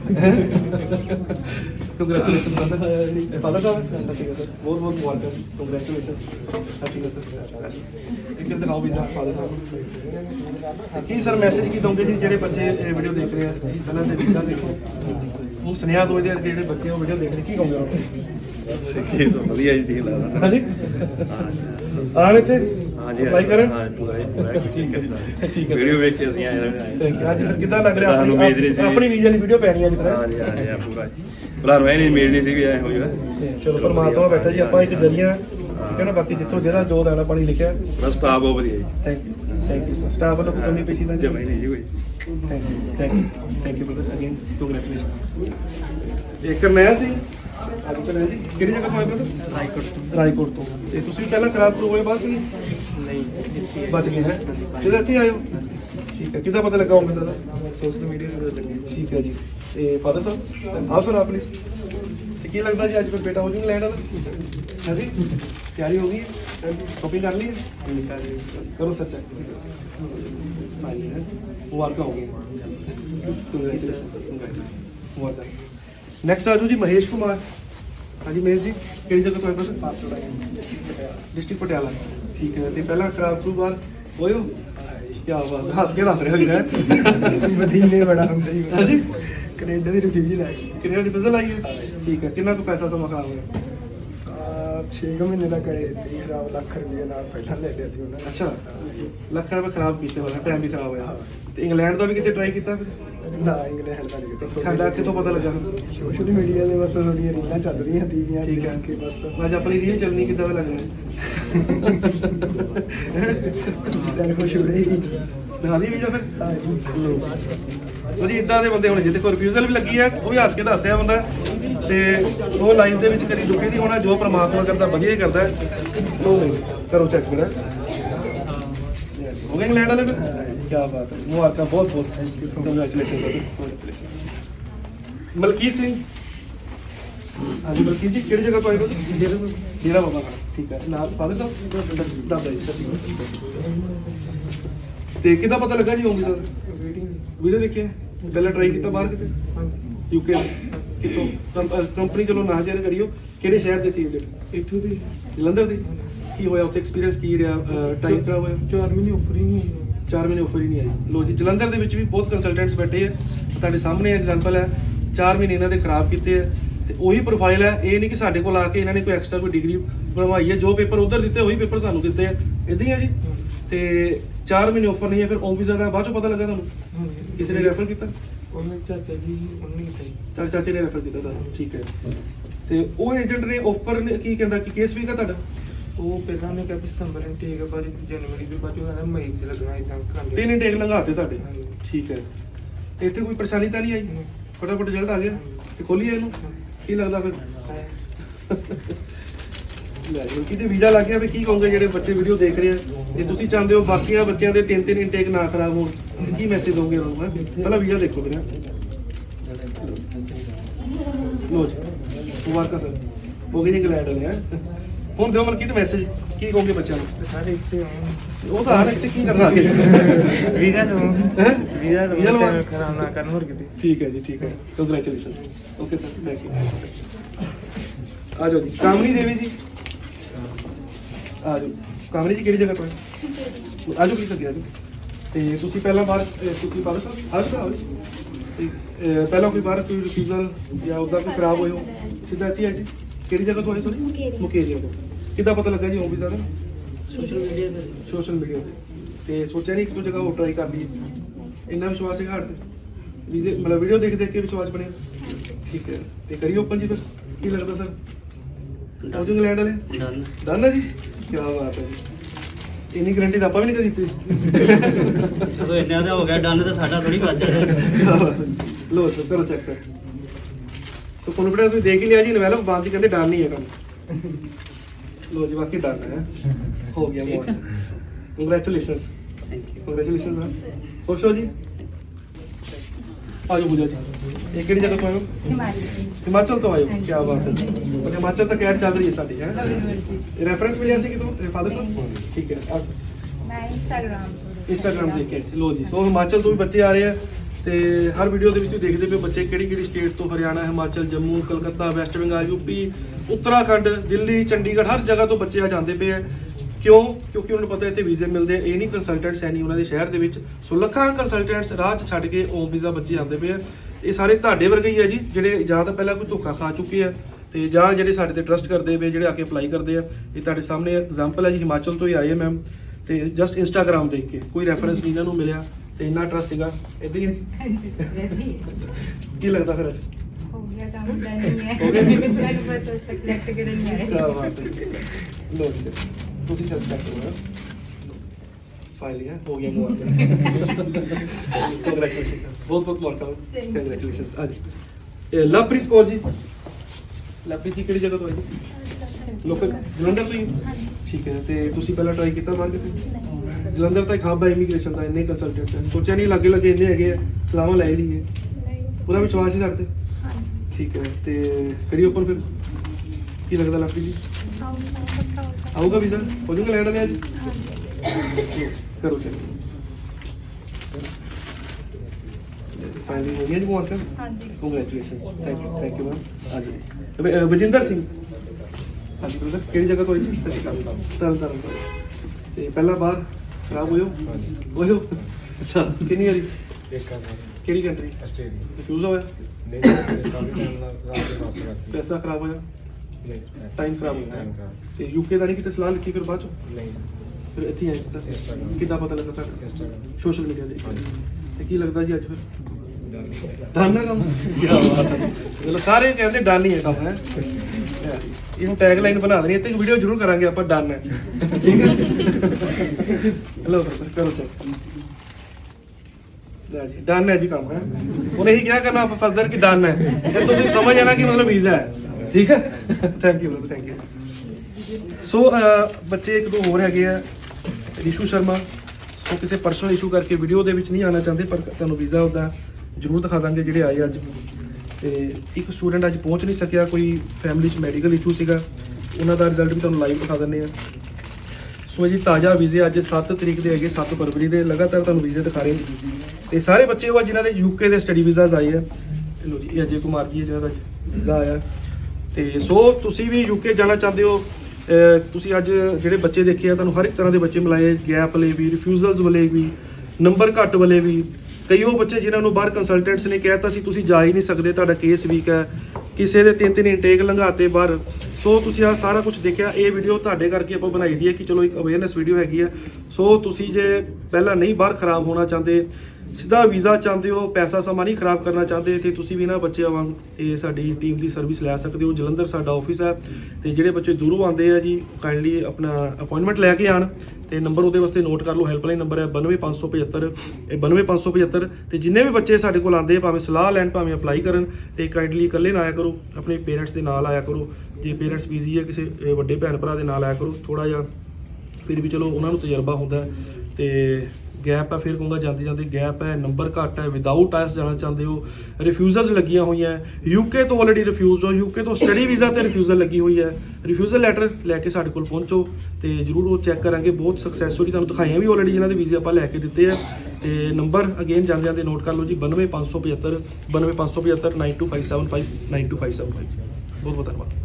ਕੰਗ੍ਰੈਚੁਲੇਸ਼ਨ ਬ੍ਰਦਰ। ਪਤਾ ਤਾਂ ਸੱਚੀ ਗੱਲ, ਬਹੁਤ ਬਹੁਤ ਮੁਬਾਰਕਾਂ, ਕੰਗ੍ਰੈਚੁਲੇਸ਼ਨ। ਸੱਚੀ ਗੱਲ ਸਰ, ਇੱਕ ਦਿਖਾਓ ਵੀਜ਼ਾ ਫਾਦਰ ਸਾਹਿਬ। ਕੀ ਸਰ ਮੈਸੇਜ ਕੀ ਦੋਗੇ ਜੀ ਜਿਹੜੇ ਬੱਚੇ ਇਹ ਵੀਡੀਓ ਦੇਖ ਰਹੇ ਆ, ਪਹਿਲਾਂ ਤੇ ਵੀਜ਼ਾ ਦੇਖੋ, ਹੁਣ ਸੁਨੇਹਾ ਦੋ ਇਹਦੇ ਅੱਗੇ ਜਿਹੜੇ ਬੱਚੇ ਉਹ ਵੀਡੀਓ ਦੇਖ ਰਹੇ, ਕੀ ਕਹੋਗੇ ਉਹਨਾਂ ਨੂੰ? ਵਧੀਆ ਜੀ, ਠੀਕ ਲੱਗਦਾ। ਹਾਂਜੀ ਆਣ ਇੱਥੇ ਹਾਂਜੀ ਅਪਲਾਈ ਕਰਨ? ਹਾਂ, ਪੂਰਾ ਠੀਕ ਹੈ ਠੀਕ ਹੈ। ਵੀਡੀਓ ਵੇਖ ਕੇ ਅਸੀਂ ਆਏ ਥੈਂਕ ਯੂ। ਅੱਜ ਫਿਰ ਕਿੱਦਾਂ ਲੱਗ ਰਿਹਾ? ਸਾਨੂੰ ਉਮੀਦ ਨਹੀਂ ਸੀ। ਆਪਣੀ ਵੀਜ਼ਾ ਦੀ ਵੀਡੀਓ ਪੈਣੀ ਅੱਜ ਫਿਰ। ਹਾਂਜੀ ਹਾਂਜੀ ਪੂਰਾ ਭਰਾ ਨੂੰ ਇਹ ਨਹੀਂ ਉਮੀਦ ਨਹੀਂ ਸੀ ਵੀ ਐ ਹੋਊਗਾ। ਚਲੋ ਪਰਮਾਤਮਾ ਬੈਠਾ ਜੀ, ਆਪਾਂ ਇੱਕ ਜਰੀਆ ਠੀਕ ਹੈ ਨਾ। ਬਾਕੀ ਜਿੱਥੋਂ ਜਿਹੜਾ ਜੋ ਦਾਣਾ ਪਾਣੀ ਲਿਖਿਆ, ਬਸ ਸਟਾਫ ਬਹੁਤ ਵਧੀਆ ਜੀ। Thank you sir. ਸਟਾਫ ਵੱਲੋਂ ਕੋਈ ਕਮੀ ਪੇਸ਼ੀ ਤਾਂ ਜਮਾਈ ਨਹੀਂ ਜੀ ਕੋਈ। Thank you brother, again congratulation. ਇਹ ਕਰਨੈਲ ਸਿੰਘ, ਅੱਜ ਕਰਨੈਲ ਜੀ ਕਿਹੜੀ ਜਗ੍ਹਾ ਤੋਂ ਆਏ ਬ੍ਰਦਰ? ਰਾਏਕੋਟ ਤੋਂ। ਤੇ ਤੁਸੀਂ ਪਹਿਲਾਂ ਖਰਾਬ ਤੋਂ ਹੋਏ ਬਾਅਦ ਨਹੀਂ ਬਚ ਗਏ ਹੈ, ਜਦੋਂ ਇੱਥੇ ਆਏ ਹੋ? ਠੀਕ ਹੈ। ਕਿੱਦਾਂ ਪਤਾ ਲੱਗਾ ਹੋਊਗਾ ਦਾਦਾ? ਸੋਸ਼ਲ ਮੀਡੀਆ ਤੇ ਲੱਗੀ। ਠੀਕ ਹੈ ਜੀ। ਤੇ ਫਾਦਰ ਸਾਹਿਬ ਆਓ ਸਰ ਆਪ ਪਲੀਜ਼। ਤੇ ਕੀ ਲੱਗਦਾ ਜੀ ਅੱਜ ਫਿਰ ਬੇਟਾ ਹੋ ਜੂਗਾ ਲੈਂਡ ਵਾਲਾ? ਹਾਂਜੀ ਤਿਆਰੀ ਹੋ ਗਈ ਹੈ, ਸ਼ੋਪਿੰਗ ਕਰ ਲਈ ਹੈ? ਕਰੋ ਸੱਚਾ ਭਾਈ ਹੈ ਮੁਬਾਰਕਾਂ ਹੋ ਗਈ। ਨੈਕਸਟ ਆਜੋ ਜੀ ਮਹੇਸ਼ ਕੁਮਾਰ। ਹਾਂਜੀ ਮਹੇਸ਼ ਜੀ ਕਿਹੜੀ ਜਗ੍ਹਾ ਤੋਂ ਆਏ ਬਸ? ਡਿਸਟ੍ਰਿਕਟ ਪਟਿਆਲਾ। ਠੀਕ ਹੈ। ਤੇ ਪਹਿਲਾਂ ਖਰਾਬ ਤੋਂ ਬਾਅਦ ਹੋਏ ਹੋ? ਕੀ ਬਾਤ, ਹੱਸ ਕੇ ਦੱਸ ਰਿਹਾ ਵੀਰ। ਮਦੀਨੇ ਬੜਾ ਹੁੰਦਾ ਹੀ ਹਾਂਜੀ ਕੈਨੇਡਾ ਦੀ ਰਿਫਿਊਜੀ ਲੈ ਗਈ ਕਿੰਨੇ ਦੀ ਫਸਲ ਆਈ ਹੈ? ਠੀਕ ਹੈ। ਕਿੰਨਾ ਕੁ ਪੈਸਾ ਸਮਾਂ ਖਰਾਬ ਹੋਇਆ? 6 ਮਹੀਨੇ ਦਾ ਕਰੇ ਤੇ ਖਰਾਬ ਲੱਖ ਰੁਪਏ ਨਾਲ ਪਹਿਲਾਂ ਲੈ ਲਿਆ ਸੀ ਉਹਨਾਂ ਨੇ। ਅੱਛਾ ਲੱਖ ਰੁਪਏ ਖਰਾਬ ਕੀਤੇ ਹੋਇਆ, ਟਾਈਮ ਵੀ ਖਰਾਬ ਹੋਇਆ। ਤੇ ਇੰਗਲੈਂਡ ਦਾ ਵੀ ਕਿਤੇ ਟਰਾਈ ਕੀਤਾ ਫਿਰ? ਨਾ ਇੰਗਲੈਂਡ ਦਾ ਨਹੀਂ ਕੀਤਾ। ਸਾਡਾ ਕਿੱਥੋਂ ਪਤਾ ਲੱਗਾ? ਸੋਸ਼ਲ ਮੀਡੀਆ ਦੇ ਬਸ ਥੋੜੀਆਂ ਰੀਲਾਂ ਚੱਲ ਰਹੀਆਂ ਤੀਵੀਆਂ ਠੀਕ ਹੈ। ਕਿ ਬਸ ਅੱਜ ਆਪਣੀ ਰੀਲ ਚੱਲਣੀ ਕਿੱਦਾਂ ਦਾ ਲੱਗਣਾ? ਦਿਲ ਖੁਸ਼ ਹੋ ਰਹੀ। ਦਿਖਾ ਦੀ ਵੀ ਜਾਂ ਫਿਰ ਹਾਂਜੀ ਸੋ ਜੀ ਇਦਾਂ ਦੇ ਬੰਦੇ ਹੋਣੇ ਜਿਹਦੇ ਕੋਲ ਰਿਫਿਊਜ਼ਲ ਵੀ ਲੱਗੀ ਹੈ, ਉਹ ਵੀ ਹੱਸ ਕੇ ਦੱਸਿਆ ਬੰਦਾ। ਤੇ ਉਹ ਲਾਈਫ ਦੇ ਵਿੱਚ ਕਦੀ ਦੁਖੀ ਨਹੀਂ ਹੋਣਾ, ਜੋ ਪ੍ਰਮਾਤਮਾ ਕਰਦਾ ਵਧੀਆ ਹੀ ਕਰਦਾ। ਉਹ ਕਰੋ ਚੈੱਕ ਕਰਾ ਹੋ ਗਿਆ ਇੰਗਲੈਂਡ ਵਾਲੇ ਫਿਰ? ਕੀ ਬਾਤ ਹੈ, ਮੁਬਾਰਕਾਂ ਬਹੁਤ ਬਹੁਤ। ਕੰਗ੍ਰੈਚੁਲੇਸ਼ਨ। ਮਲਕੀਤ ਸਿੰਘ। ਹਾਂਜੀ ਮਲਕੀਤ ਜੀ ਕਿਹੜੀ ਜਗ੍ਹਾ ਤੋਂ ਆਏ ਹੋ? ਡੇਰਾ ਬਾਬਾ ਖਾਨ। ਠੀਕ ਹੈ। ਨਾਲ ਫਾਦਰ ਸਾਹਿਬ ਦਾਦਾ ਜੀ। ਤੇ ਕਿੱਦਾਂ ਪਤਾ ਲੱਗਾ ਜੀ ਹੋਊਗੀ ਸਰ? ਵੀਡੀਓ ਦੇਖਿਆ ਪਹਿਲਾਂ ਟਰਾਈ ਕੀਤਾ ਬਾਹਰ ਕਿਤੇ? ਯੂਕੇ ਕਿਤੋਂ? ਕੰਪਨੀ ਚਲੋ ਨਾ ਜਾਇਰ ਕਰਿਓ। ਕਿਹੜੇ ਸ਼ਹਿਰ ਦੇ ਸੀ ਇਹ? ਇੱਥੋਂ ਦੀ ਜਲੰਧਰ ਦੀ। ਕੀ ਹੋਇਆ ਉੱਥੇ ਐਕਸਪੀਰੀਅੰਸ ਕੀ ਰਿਹਾ? ਟਾਈਮ ਖਰਾਬ ਹੋਇਆ? 4 ਮਹੀਨੇ ਉੱਪਰ ਹੀ ਨਹੀਂ 4 ਮਹੀਨੇ ਆਫਰ ਹੀ ਨਹੀਂ ਆਈ। ਲੋ ਜੀ ਜਲੰਧਰ ਦੇ ਵਿੱਚ ਵੀ ਬਹੁਤ ਕੰਸਲਟੈਂਟਸ ਬੈਠੇ ਆ, ਤੁਹਾਡੇ ਸਾਹਮਣੇ ਐਗਜ਼ਾਮਪਲ ਹੈ। 4 ਮਹੀਨੇ ਇਹਨਾਂ ਦੇ ਖਰਾਬ ਕੀਤੇ ਆ ਤੇ ਉਹੀ ਪ੍ਰੋਫਾਈਲ ਹੈ। ਇਹ ਨਹੀਂ ਕਿ ਸਾਡੇ ਕੋਲ ਆ ਕੇ ਇਹਨਾਂ ਨੇ ਕੋਈ ਐਕਸਟਰਾ ਕੋਈ ਡਿਗਰੀ ਬਣਵਾਈ ਹੈ। ਜੋ ਪੇਪਰ ਉਧਰ ਦਿੱਤੇ ਉਹੀ ਪੇਪਰ ਸਾਨੂੰ ਦਿੱਤੇ ਆ, ਇਦਾਂ ਹੀ ਆ ਜੀ। ਤੇ 4 ਮਹੀਨੇ ਆਫਰ ਨਹੀਂ ਹੈ, ਫਿਰ ਉਹ ਵੀ ਜ਼ਿਆਦਾ ਬਾਅਦ ਚੋਂ ਪਤਾ ਲੱਗਾ ਤੁਹਾਨੂੰ? ਕਿਸੇ ਨੇ ਰੈਫਰ ਕੀਤਾ? ਉਹਨੇ ਚਾਚਾ ਜੀ ਉਹਨੇ ਕੀਤਾ ਚਾਚੇ ਨੇ ਰੈਫਰ ਕੀਤਾ ਤੁਹਾਨੂੰ? ਠੀਕ ਹੈ। ਤੇ ਉਹ ਏਜੰਟ ਨੇ ਆਫਰ ਨੇ ਕੀ ਕਹਿੰਦਾ ਕਿ ਕੇਸ ਵੀ ਕਾ ਤੁਹਾਡਾ? ਉਹ ਪਹਿਲਾਂ ਨੇ ਕਿਹਾ ਸਤੰਬਰ ਇੰਟੇਕ ਪਰ ਜਨਵਰੀ ਦੇ ਬਾਅਦ ਉਹਨਾਂ ਮਈ ਚ ਲੱਗਣਾ ਇਦਾਂ ਕਰਦੇ 3 ਇੰਟੇਕ ਲੰਘਾਤੇ ਤੁਹਾਡੇ? ਹਾਂਜੀ। ਠੀਕ ਹੈ। ਇੱਥੇ ਕੋਈ ਪਰੇਸ਼ਾਨੀ ਤਾਂ ਨਹੀਂ ਆਈ? ਫਟਾਫਟ ਰਿਜ਼ਲਟ ਆ ਗਿਆ ਤੇ ਖੋਲੀਏ ਇਹਨੂੰ। ਕੀ ਲੱਗਦਾ ਫਿਰ? ਲੈ ਜੀ ਕਿਤੇ ਵੀਜ਼ਾ ਲੱਗ ਗਿਆ, ਵੀ ਕੀ ਕਹੋਗੇ ਜਿਹੜੇ ਬੱਚੇ ਵੀਡੀਓ ਦੇਖ ਰਹੇ ਆ? ਜੇ ਤੁਸੀਂ ਚਾਹੁੰਦੇ ਹੋ ਬਾਕੀਆਂ ਬੱਚਿਆਂ ਦੇ 3-3 ਇੰਟੇਕ ਨਾ ਖਰਾਬ ਹੋਣ, ਕੀ ਮੈਸੇਜ ਦੋਗੇ ਉਹਨਾਂ ਨੂੰ? ਪਹਿਲਾਂ ਵੀਜ਼ਾ ਦੇਖੋ ਵੀਰੇ। ਲੋ ਜੀ ਮੁਬਾਰਕਾਂ ਸਰ, ਹੋ ਗਈ ਇੰਗਲੈਂਡ ਵਾਲੇ ਹੈ। ਹੁਣ ਦਿਓ ਮਨ ਕੀ ਮੈਸੇਜ ਕੀ ਕਹੋਗੇ ਬੱਚਿਆਂ ਨੂੰ? ਸਾਰੇ ਇੱਥੇ ਆਉਣ ਉਹ ਤਾਂ ਹਰ ਇੱਕ ਤੇ ਕੀ ਕਰਨਾ ਅੱਗੇ? ਵੀਜ਼ਾ ਲਵਾਂ ਹੈਂ? ਵੀਜ਼ਾ ਵੀਜ਼ਾ ਲਵਾਂ? ਲਵਾਂ ਖਰਾਬ ਨਾ ਕਰਨ ਹੋਰ ਕਿਤੇ। ਠੀਕ ਹੈ ਜੀ, ਠੀਕ ਹੈ। Congratulation. Okay sir, thank you. ਆ ਜਾਓ ਜੀ ਕਾਮਨੀ ਦੇਵੀ ਜੀ। ਆ ਜਾਓ ਕਾਮਨੀ ਜੀ ਕਿਹੜੀ ਜਗ੍ਹਾ ਤੋਂ? ਆ ਜਾਓ ਪਲੀਜ਼ ਅੱਗੇ ਆ ਜਾਓ। ਤੇ ਤੁਸੀਂ ਪਹਿਲਾਂ ਬਾਹਰ ਤੁਸੀਂ ਬਾਹਰ ਸਾਹਿਬ ਆਓ ਜੀ। ਤੇ ਪਹਿਲਾਂ ਕੋਈ ਬਾਹਰ ਕੋਈ ਰਿਫਿਊਜ਼ਲ ਜਾਂ ਉਹਦਾ ਕੋਈ ਖਰਾਬ ਹੋਇਆ ਸਿੱਧਾ ਇੱਥੇ ਆਏ ਸੀ? ਕਿਹੜੀ ਜਗ੍ਹਾ ਤੋਂ ਆਏ ਤੁਸੀਂ? ਮੁਕੇਰੀਆ ਤੋਂ। ਕਿੱਦਾਂ ਪਤਾ ਲੱਗਾ ਜੀ ਉਹ ਵੀ ਸਾਰਾ? ਸੋਸ਼ਲ ਮੀਡੀਆ ਤੇ ਸੋਚਿਆ ਨਹੀਂ ਇੱਕ ਦੋ ਜਗ੍ਹਾ ਹੋਰ ਟਰਾਈ ਕਰ ਲਈਏ? ਇੰਨਾ ਵਿਸ਼ਵਾਸ ਹੈ ਘਾਟ ਤੇ ਵੀਜ਼ੇ ਮਤਲਬ ਵੀਡੀਓ ਦੇਖ ਦੇਖ ਕੇ ਵਿਸ਼ਵਾਸ ਬਣਿਆ? ਠੀਕ ਹੈ। ਤੇ ਕਰੀ ਓਪਨ ਜੀ ਫਿਰ ਕੀ ਲੱਗਦਾ ਸਰ? ਪਹੁੰਚ ਇੰਗਲੈਂਡ ਵਾਲੇ ਡਨ ਹੈ ਜੀ। ਕੀ ਬਾਤ ਹੈ ਜੀ। ਇੰਨੀ ਗਰੰਟੀ ਤਾਂ ਆਪਾਂ ਵੀ ਨਹੀਂ ਕਦੀ ਦਿੱਤੀ। ਜਦੋਂ ਇੰਨਾ ਦਾ ਹੋ ਗਿਆ ਡਨ ਤਾਂ ਸਾਡਾ ਥੋੜੀ ਵੱਜ ਜਾਣਾ। ਲੋ ਸਰ ਕਰੋ ਚੈੱਕ ਸਰ। ਸੋ ਕੌਨਫੀਡੈਂਸ ਵੀ ਦੇਖ ਹੀ ਲਿਆ ਜੀ। ਨਵੈਲਪ ਬਾਂਦੀ ਕਹਿੰਦੇ ਡਨ ਨਹੀਂ ਹੈ ਕੰਮ। ਲੋ ਜੀ ਬਾਕੀ ਡਨ ਹੈ, ਹੋ ਗਿਆ ਮੋੜ। Congratulations. Thank you. Congratulation ma'am. ਖੁਸ਼ ਹੋ ਜੀ? ਆਜੋ ਪੂਜਾ ਜੀ। ਇਹ ਕਿਹੜੀ ਜਗ੍ਹਾ ਤੋਂ ਆਏ ਹੋ? ਹਿਮਾਚਲ ਤੋਂ ਆਏ ਹੋ? ਕੀ ਬਾਤ ਹੈ ਜੀ। ਹਿਮਾਚਲ ਤਾਂ ਕੈਟ ਚੱਲ ਰਹੀ ਹੈ ਸਾਡੀ ਹੈ। ਰੈਫਰੈਂਸ ਮਿਲਿਆ ਸੀ ਕਿਤੋਂ ਫਾਦਰ ਸਾਹਿਬ? ਠੀਕ ਹੈ। ਮੈਂ ਇੰਸਟਾਗ੍ਰਾਮ ਦੇਖ ਕੇ ਸੀ। ਲੋ ਜੀ ਸੋ ਹਿਮਾਚਲ ਤੋਂ ਵੀ ਬੱਚੇ ਆ ਰਹੇ ਆ ਤੇ ਹਰ ਵੀਡੀਓ ਦੇ ਵਿੱਚ ਦੇਖਦੇ ਪਏ ਬੱਚੇ ਕਿਹੜੀ ਕਿਹੜੀ ਸਟੇਟ ਤੋਂ, ਹਰਿਆਣਾ, ਹਿਮਾਚਲ, ਜੰਮੂ, ਕਲਕੱਤਾ, ਵੈਸਟ ਬੰਗਾਲ, ਯੂਪੀ, ਉੱਤਰਾਖੰਡ, ਦਿੱਲੀ, ਚੰਡੀਗੜ੍ਹ, ਹਰ ਜਗ੍ਹਾ ਤੋਂ ਬੱਚੇ ਆ ਜਾਂਦੇ ਪਏ ਆ। ਕਿਉਂ? ਕਿਉਂਕਿ ਉਹਨਾਂ ਨੂੰ ਪਤਾ ਇੱਥੇ ਵੀਜ਼ੇ ਮਿਲਦੇ ਆ। ਇਹ ਨਹੀਂ ਕੰਸਲਟੈਂਟਸ ਹੈ ਨਹੀਂ ਉਹਨਾਂ ਦੇ ਸ਼ਹਿਰ ਦੇ ਵਿੱਚ। ਸੋ ਲੱਖਾਂ ਕੰਸਲਟੈਂਟਸ ਰਾਹ 'ਚ ਛੱਡ ਕੇ ਓਮ ਵੀਜ਼ਾ ਬੱਚੇ ਆਉਂਦੇ ਪਏ ਆ। ਇਹ ਸਾਰੇ ਤੁਹਾਡੇ ਵਰਗੇ ਹੀ ਆ ਜੀ, ਜਿਹੜੇ ਜਾਂ ਤਾਂ ਪਹਿਲਾਂ ਕੋਈ ਧੋਖਾ ਖਾ ਚੁੱਕੇ ਆ ਤੇ ਜਾਂ ਜਿਹੜੇ ਸਾਡੇ ਤੇ ਟਰਸਟ ਕਰਦੇ ਪਏ, ਜਿਹੜੇ ਆ ਕੇ ਅਪਲਾਈ ਕਰਦੇ ਆ। ਇਹ ਤੁਹਾਡੇ ਸਾਹਮਣੇ ਐਗਜ਼ਾਮਪਲ ਹੈ ਜੀ। ਹਿਮਾਚਲ ਤੋਂ ਹੀ ਆਏ ਆ ਮੈਮ ਤੇ ਜਸਟ ਇੰਸਟਾਗ੍ਰਾਮ ਦੇਖ ਕੇ, ਕੋਈ ਰੈਫਰੈਂਸ ਨਹੀਂ ਇਹਨਾਂ ਨੂੰ ਮਿਲਿਆ ਤੇ ਇੰਨਾ ਟਰਸਟ ਸੀਗਾ। ਇਦਾਂ ਹੀ ਕੀ ਲੱਗਦਾ ਫਿਰ ਅੱਜ? ਹੋ ਗਿਆ ਕੰਮ ਡਨ ਹੀ ਹੈ। ਹੋ ਗਿਆ? ਤੁਹਾਨੂੰ ਬਸ ਉਸ ਤੱਕ ਚੈੱਕ ਕਰਨ ਹੀ ਆਏ। ਕਿਆ ਬਾਤ ਹੈ। ਲੋ ਜੀ ਤੁਸੀਂ ਸੈਟ ਕਰੋ ਫਾਈਲ ਹੈ ਹੋ ਗਿਆ ਮੁਬਾਰਕ ਕੰਗ੍ਰੈਚੁਲੇਸ਼ਨ ਬਹੁਤ ਬਹੁਤ ਮੁਬਾਰਕਾਂ ਕੰਗ੍ਰੈਚੁਲੇਸ਼ਨ ਅੱਜ ਲਵਪ੍ਰੀਤ ਕੌਰ ਜੀ ਲਵਪ੍ਰੀਤ ਜੀ ਕਿਹੜੀ ਜਗ੍ਹਾ ਤੋਂ ਆਏ ਜੀ ਲੋਕਲ ਜਲੰਧਰ ਤੋਂ ਹੀ ਠੀਕ ਹੈ ਤੇ ਤੁਸੀਂ ਪਹਿਲਾਂ ਟਰਾਈ ਕੀਤਾ ਬਾਹਰ ਕਿਤੇ ਜਲੰਧਰ ਤਾਂ ਇੱਕ ਹੱਬ ਹੈ ਇਮੀਗ੍ਰੇਸ਼ਨ ਦਾ ਇੰਨੇ ਕੰਸਲਟੈਂਟ ਹੈ ਸੋਚਿਆ ਨਹੀਂ ਲੱਗੇ ਇੰਨੇ ਹੈਗੇ ਆ ਸਲਾਹਾਂ ਲੈ ਲਈਏ ਪੂਰਾ ਵਿਸ਼ਵਾਸ ਹੀ ਕਰਦੇ ਠੀਕ ਹੈ ਤੇ ਕਰੀ ਓਪਨ ਫਿਰ ਕੀ ਲੱਗਦਾ ਲਵਪ੍ਰੀਤ ਜੀ ਆਊਗਾ ਵੀਜ਼ਾ ਹੋ ਜਾਊਗਾ ਲੈਂਡ ਵਾਲੇ ਅੱਜ ਕਰੋ ਚੈੱਕ ਫਾਈਨਲੀ ਹੋ ਗਿਆ ਜੀ ਮੁਬਾਰਕਾਂ ਹਾਂਜੀ ਕੰਗ੍ਰੈਚੁਲੇਸ਼ਨ ਥੈਂਕ ਯੂ ਮੈਮ ਹਾਂਜੀ ਵਜਿੰਦਰ ਸਿੰਘ ਹਾਂਜੀ ਬ੍ਰਦਰ ਕਿਹੜੀ ਜਗ੍ਹਾ ਤੋਂ ਆਏ ਜੀ ਤਰਨ ਤਾਰਨ ਤੋਂ ਤੇ ਪਹਿਲਾਂ ਬਾਹਰ ਖਰਾਬ ਹੋਇਓ ਹੋਇਓ ਅੱਛਾ ਕਿੰਨੀ ਵਾਰੀ ਕਿਹੜੀ ਕੰਟਰੀ ਰਿਫਿਊਜ਼ ਹੋਇਆ ਪੈਸਾ ਖਰਾਬ ਹੋਇਆ ਟਾਈਮ ਖਰਾਬ ਹੋਇਆ ਤੇ ਯੂਕੇ ਦਾ ਨਹੀਂ ਕਿਤੇ ਸਲਾਹ ਲਿਖੀ ਫਿਰ ਬਾਅਦ ਚੋਂ ਫਿਰ ਇੱਥੇ ਆਏ ਸਿੱਧਾ ਕਿੱਦਾਂ ਪਤਾ ਲੱਗਾ ਸਾਡਾ ਸੋਸ਼ਲ ਮੀਡੀਆ ਦੇ ਤੇ ਕੀ ਲੱਗਦਾ ਜੀ ਅੱਜ ਫਿਰ ਡਨ ਹੈ ਕੰਮ ਕੀ ਬਾਤ ਹੈ ਮਤਲਬ ਸਾਰੇ ਕਹਿੰਦੇ ਡਨ ਹੀ ਹੈ ਕੰਮ ਹੈ ਇਹਨੂੰ ਟੈਗ ਲਾਈਨ ਬਣਾ ਦੇਣੀ ਇੱਥੇ ਇੱਕ ਵੀਡੀਓ ਜ਼ਰੂਰ ਕਰਾਂਗੇ ਆਪਾਂ ਡਨ ਹੈ ਠੀਕ ਹੈ ਹਲੋ ਕਰੋ ਚੈੱਕ ਜੀ ਡਨ ਹੈ ਜੀ ਕੰਮ ਹੈ ਉਹਨੇ ਇਹੀ ਕਿਹਾ ਕਰਨਾ ਆਪਾਂ ਫਰਦਰ ਕਿ ਡਨ ਹੈ ਇਹ ਤੁਸੀਂ ਸਮਝ ਆਣਾ ਕਿ ਮਤਲਬ ਵੀਜ਼ਾ ਹੈ ਠੀਕ ਹੈ thank you brother thank you so ਬੱਚੇ ਇੱਕ ਦੋ ਹੋਰ ਹੈਗੇ ਆ ਰਿਸ਼ੂ ਸ਼ਰਮਾ ਸੋ ਕਿਸੇ ਪਰਸਨਲ ਇਸ਼ੂ ਕਰਕੇ ਵੀਡੀਓ ਦੇ ਵਿੱਚ ਨਹੀਂ ਆਉਣਾ ਚਾਹੁੰਦੇ ਪਰ ਤੁਹਾਨੂੰ ਵੀਜ਼ਾ ਉਹਦਾ ਜ਼ਰੂਰ ਦਿਖਾ ਦਾਂਗੇ ਜਿਹੜੇ ਆਏ ਅੱਜ ਤੇ ਇੱਕ ਸਟੂਡੈਂਟ ਅੱਜ ਪਹੁੰਚ ਨਹੀਂ ਸਕਿਆ ਕੋਈ ਫੈਮਿਲੀ 'ਚ ਮੈਡੀਕਲ ਇਸ਼ੂ ਸੀਗਾ ਉਹਨਾਂ ਦਾ ਰਿਜ਼ਲਟ ਵੀ ਤੁਹਾਨੂੰ ਲਾਈਵ ਦਿਖਾ ਦਿੰਦੇ ਆ ਸੋ ਜੀ ਤਾਜ਼ਾ ਵੀਜ਼ੇ ਅੱਜ 7 ਤਰੀਕ ਦੇ ਹੈਗੇ 7 ਫਰਵਰੀ ਦੇ ਲਗਾਤਾਰ ਤੁਹਾਨੂੰ ਵੀਜ਼ੇ ਦਿਖਾ ਰਹੇ ਤੇ ਸਾਰੇ ਬੱਚੇ ਉਹ ਜਿਨ੍ਹਾਂ ਦੇ ਯੂਕੇ ਦੇ ਸਟੱਡੀ ਵੀਜ਼ਾਸ ਆਏ ਆ ਲੋ ਜੀ ਇਹ ਅਜੇ ਕੁਮਾਰ ਜੀ ਜਿਹਨਾਂ ਦਾ ਵੀਜ਼ਾ ਆਇਆ ਤੇ ਸੋ ਤੁਸੀਂ ਵੀ ਯੂਕੇ ਜਾਣਾ ਚਾਹੁੰਦੇ ਹੋ ਤੁਸੀਂ ਅੱਜ ਜਿਹੜੇ ਬੱਚੇ ਦੇਖੇ ਆ ਤੁਹਾਨੂੰ ਹਰ ਇੱਕ ਤਰ੍ਹਾਂ ਦੇ ਬੱਚੇ ਮਿਲਾਏ ਗੈਪ ਵਾਲੇ ਵੀ ਰਿਫਿਊਜ਼ਲਸ ਵਾਲੇ ਵੀ ਨੰਬਰ ਘੱਟ ਵਾਲੇ ਵੀ ਕਈ ਉਹ ਬੱਚੇ ਜਿਨ੍ਹਾਂ ਨੂੰ ਬਾਹਰ ਕੰਸਲਟੈਂਟਸ ਨੇ ਕਹਿਤਾ ਸੀ ਤੁਸੀਂ ਜਾ ਹੀ ਨਹੀਂ ਸਕਦੇ ਤੁਹਾਡਾ ਕੇਸ ਵੀਕ ਹੈ ਕਿਸੇ ਦੇ 3 ਇਨਟੇਕ ਲੰਘਾਤੇ ਬਾਹਰ ਸੋ ਤੁਸੀਂ ਆ ਸਾਰਾ ਕੁਝ ਦੇਖਿਆ ਇਹ ਵੀਡੀਓ ਤੁਹਾਡੇ ਕਰਕੇ ਆਪਾਂ ਬਣਾਈ ਦੀ ਹੈ ਕਿ ਚਲੋ ਇੱਕ ਅਵੇਅਰਨੈਸ ਵੀਡੀਓ ਹੈਗੀ ਹੈ ਸੋ ਤੁਸੀਂ ਜੇ ਪਹਿਲਾਂ ਨਹੀਂ ਬਾਹਰ ਖਰਾਬ ਹੋਣਾ ਚਾਹੁੰਦੇ ਸਿੱਧਾ ਵੀਜ਼ਾ ਚਾਹੁੰਦੇ ਹੋ ਪੈਸਾ ਸਮਾਂ ਨਹੀਂ ਖਰਾਬ ਕਰਨਾ ਚਾਹੁੰਦੇ ਤੇ ਤੁਸੀਂ ਵੀ ਨਾ ਬੱਚਿਆਂ ਵਾਂਗ ਇਹ ਸਾਡੀ ਟੀਮ ਦੀ ਸਰਵਿਸ ਲੈ ਸਕਦੇ ਹੋ ਜਲੰਧਰ ਸਾਡਾ ਆਫਿਸ ਹੈ ਤੇ ਜਿਹੜੇ ਬੱਚੇ ਦੂਰੋਂ ਆਉਂਦੇ ਆ ਜੀ ਕਾਈਂਡਲੀ ਆਪਣਾ ਅਪਾਇੰਟਮੈਂਟ ਲੈ ਕੇ ਆਣ ਤੇ ਨੰਬਰ ਉਹਦੇ ਵਾਸਤੇ ਨੋਟ ਕਰ ਲਓ ਹੈਲਪਲਾਈਨ ਨੰਬਰ ਹੈ 92575 ਇਹ 92575 ਤੇ ਜਿੰਨੇ ਵੀ ਬੱਚੇ ਸਾਡੇ ਕੋਲ ਆਉਂਦੇ ਭਾਵੇਂ ਸਲਾਹ ਲੈਣ ਭਾਵੇਂ ਅਪਲਾਈ ਕਰਨ ਤੇ ਕਾਈਂਡਲੀ ਇਕੱਲੇ ਨਾ ਆਇਆ ਕਰੋ ਆਪਣੇ ਪੇਰੈਂਟਸ ਦੇ ਨਾਲ ਆਇਆ ਕਰੋ ਜੇ ਪੇਰੈਂਟਸ ਬਿਜ਼ੀ ਹੈ ਕਿਸੇ ਵੱਡੇ ਭੈਣ ਭਰਾ ਦੇ ਨਾਲ ਆਇਆ ਕਰੋ ਥੋੜਾ ਜਿਹਾ ਫਿਰ ਵੀ ਚਲੋ ਉਹਨਾਂ ਨੂੰ ਤਜਰਬਾ ਹੁੰਦਾ ਤੇ ਗੈਪ ਹੈ ਫਿਰ ਕਹੂੰਗਾ ਜਾਂਦੇ ਜਾਂਦੇ ਗੈਪ ਹੈ ਨੰਬਰ ਘੱਟ ਹੈ ਵਿਦਆਊਟ ਆਇਸ ਜਾਣਾ ਚਾਹੁੰਦੇ ਹੋ ਰਿਫਿਊਜ਼ਲਸ ਲੱਗੀਆਂ ਹੋਈਆਂ ਯੂਕੇ ਤੋਂ ਆਲਰੇਡੀ ਰਿਫਿਊਜ਼ਡ ਹੋ ਯੂਕੇ ਤੋਂ ਸਟੱਡੀ ਵੀਜ਼ਾ ਤੇ ਰਿਫਿਊਜ਼ਲ ਲੱਗੀ ਹੋਈ ਹੈ ਰਿਫਿਊਜ਼ਲ ਲੈਟਰ ਲੈ ਕੇ ਸਾਡੇ ਕੋਲ ਪਹੁੰਚੋ ਤੇ ਜਰੂਰ ਉਹ ਚੈੱਕ ਕਰਾਂਗੇ ਬਹੁਤ ਸਕਸੈਸਫੁਲੀ ਤੁਹਾਨੂੰ ਦਿਖਾਈਆਂ ਵੀ ਆਲਰੇਡੀ ਜਿਨ੍ਹਾਂ ਦੇ ਵੀਜ਼ੇ ਆਪਾਂ ਲੈ ਕੇ ਦਿੱਤੇ ਆ ਤੇ ਨੰਬਰ ਅਗੇਨ ਜਾਂਦੇ ਜਾਂਦੇ ਨੋਟ ਕਰ ਲਓ ਜੀ 92575 92575 9257592575 ਬਹੁਤ ਬਹੁਤ ਧੰਨਵਾਦ